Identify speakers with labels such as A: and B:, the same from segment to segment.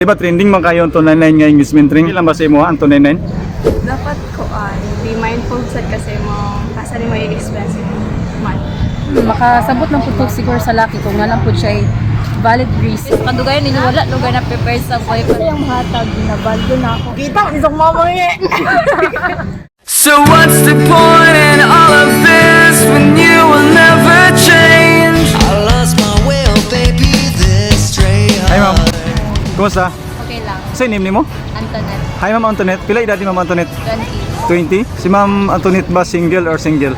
A: Diba trending man kayo ang 299 nga engagement ring? Ilan ba sa imo ang 299?
B: Dapat ko be mindful sad kasi mo kasali mo yung expensive man.
C: Makasabot ng putok siguro sa laki kung nga lang po siya ay valid reason.
B: Kadugayan ninyo wala lugar na prepared sa boyfriend.
C: Kasi yung hatag, ginabaldo na ako.
B: Kita mo isang mama niya.
D: So what's the point in all of this when you will never change? I lost my will, baby, this stray
A: Hi ma'am,
D: heart.
A: kumusta?
C: Okay lang.
A: Sa name nimo?
C: Antoinette,
A: Hi ma'am Antoinette, pila edad ni ma'am Antoinette?
C: 20.
A: 20? Si ma'am Antoinette ba single or single?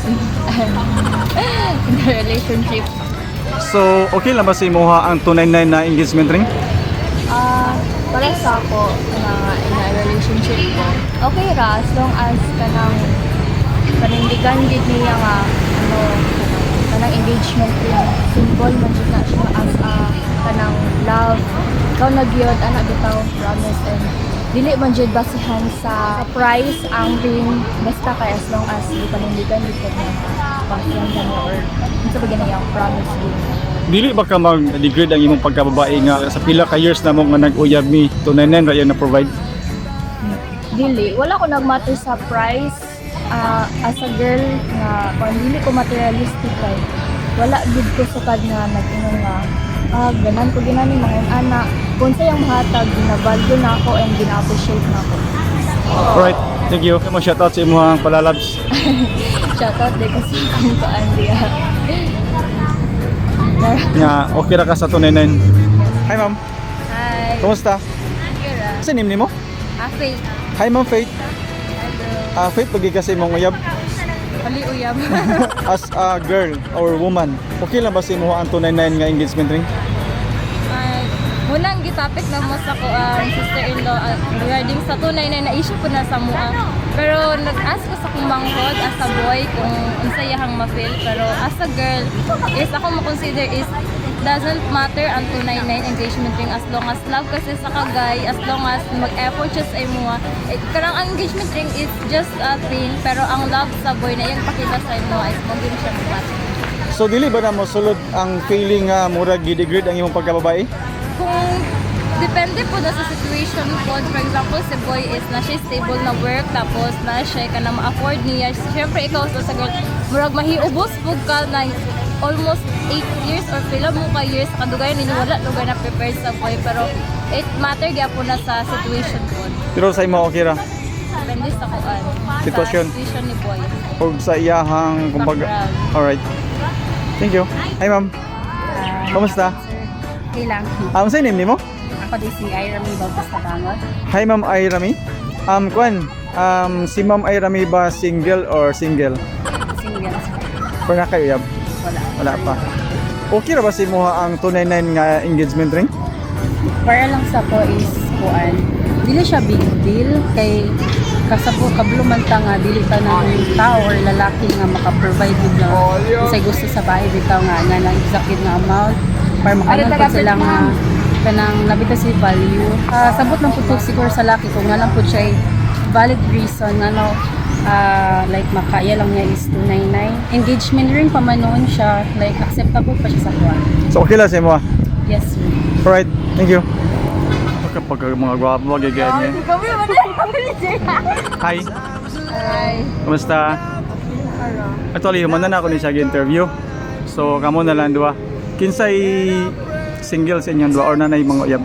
C: In a relationship.
A: So, okay lang ba sa imuha ang 299 na engagement ring?
C: Para sa ako na in a relationship ko, okay ra as long as panindigan gid niya nga kanang engagement ring symbol man jud na siya as kanang love. Ikaw nagyod ana bitaw promise and dili man jud basihan sa price ang ring basta kay as long as panindigan gid ka na passion ka niya or unsa ba ganayang promise gid.
A: Dili ba ka mag-degrade ang imong pagkababae nga sa pila ka years na mo nga nag-uyab mi 299 ra yan na provide?
C: Dili, wala ko nagmatter sa price as a girl nga kung dili ko materialistic kay wala gid ko sukad nga nag-ingon nga ganan ko ginani mga ana kung sa yung mahatag ginabaldo na ako and gina-appreciate na ako.
A: Alright, thank you. Mo shout out sa imong palalabs.
C: Shoutout din kasi kung kaan diya.
A: Nga okay ra ka sa 299. Hi ma'am,
C: Hi.
A: kumusta?
C: Kira.
A: Sa name nimo?
C: Faith.
A: Hi ma'am Faith. Faith pagi kasi imong uyab
C: Pali uyab.
A: as a girl or woman. Okay lang ba sa imuha ang 299 nga engagement ring?
C: Munang gitapik na mo sa ko ang sister-in-law regarding sa 299 na issue ko na sa mua. Pero nag-ask ko sa kong manghod as a boy kung unsayahang ma-feel. Pero as a girl, is ako ma-consider is doesn't matter ang 299 engagement ring as long as love kasi sa kagay, as long as mag-effort siya sa imo. Karang ang engagement ring is just a thing, pero ang love sa boy na iyang pakita sa imo is maging siya mabat.
A: So dili ba na mo sulod ang feeling nga murag gi-degrade ang imong pagkababae?
C: Kung depende po na sa situation po. For example, si boy is na siya stable na work, tapos na siya ka na ma-afford niya. Siyempre, ikaw sa girl, murag mahiubos po ka na almost 8 years or pila mo ka years sa kadugayan ninyo, wala lugar na prepared sa boy. Pero it matter gaya po na sa situation po.
A: Pero sa imo okay ra?
C: Depende sa kuan.
A: Sitwasyon.
C: Sa situation ni boy.
A: O sa iyahang kumbaga.
C: Background.
A: Alright. Thank you. Hi ma'am. Kumusta?
C: Okay lang.
A: Sa name nimo?
C: Ako din si Irami Bautista Bangot.
A: Hi ma'am Irami. Kuan, si ma'am Irami ba single or single?
C: Single.
A: Or na kayo yab?
C: Wala.
A: Wala pa. Okay ra ba si mo ang 299 nga engagement ring?
C: Para lang sa ko is kuan. Dili siya big deal kay kasabo kablumanta nga dili ta ng tao or lalaki nga maka-provide gid na say gusto sa bahay bitaw nga na exact nga amount para makanon po sila nga kanang nabita si value. Sabot lang putok siguro sa laki kung nga lang po siya ay valid reason nga no like makaya lang niya is 299. Engagement ring pa man noon siya like acceptable pa siya sa kuan.
A: So okay lang si mo.
C: Yes sir.
A: Alright, thank you. Kapag mga gwapo magagayan niya. Hi,
C: Hi.
A: kumusta? Actually, human na ako ni siya interview. So, kamo na lang dua. Kinsay single sa inyong dua or nanay mga uyab?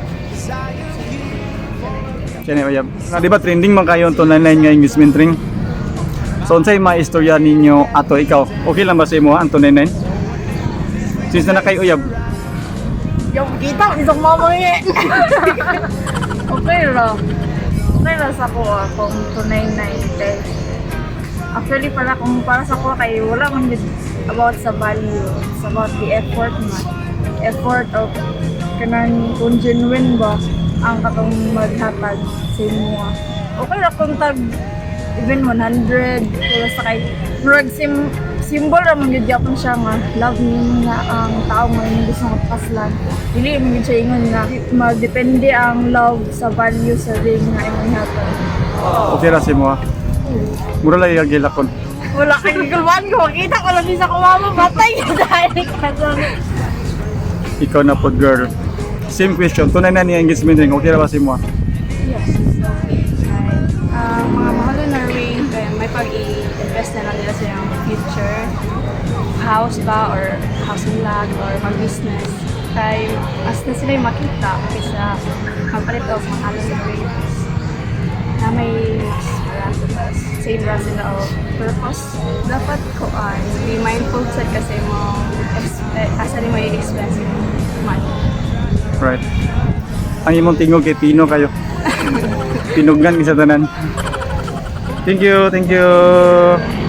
A: Kaya uyab. Di ba trending man kayo ang 299 nga engagement ring? So, unsay mga istorya ninyo ato ikaw? Okay lang ba sa imo ang 299? Since na kayo uyab?
B: Yung kita mo isang mama niya. Okay ra. Okay ra sa ko kung 299 kay actually para kung para sa ko kay wala man yun about sa value. It's about the effort man. Effort of kanang kung genuine ba ang katong maghatag sa imo. Okay ra kung tag even 100 kaya sa kay murag symbol ra man gyud gyapon siya nga love niya nga ang tao nga hindi gusto magpaslan. Dili man gyud siya ingon nga magdepende ang love sa value sa ring nga imong hatag.
A: Okay ra si mo. Mura lang yung gilakon.
B: Wala kang gigulwan ko. Makita ko lang sa kumama. Patay ka dahil ka doon.
A: Ikaw na po girl. same question. Tunay na niya engagement ring. Okay ra ba sa imo?
E: Yes, it's okay. Mga mahal na ring, kaya may pag-i-invest na lang nila sa yung future. House ba, or house and lot, or mag-business. Kaya mas na sila yung makita kaysa magpalit of mahal na rings. Na may mas marami same ra sila o purpose. Dapat ko be mindful sa kasi mo asa ni may expensive money.
A: Right. Ang imong tingog kay Pino kayo. Pinugnan sa tanan. Thank you, thank you.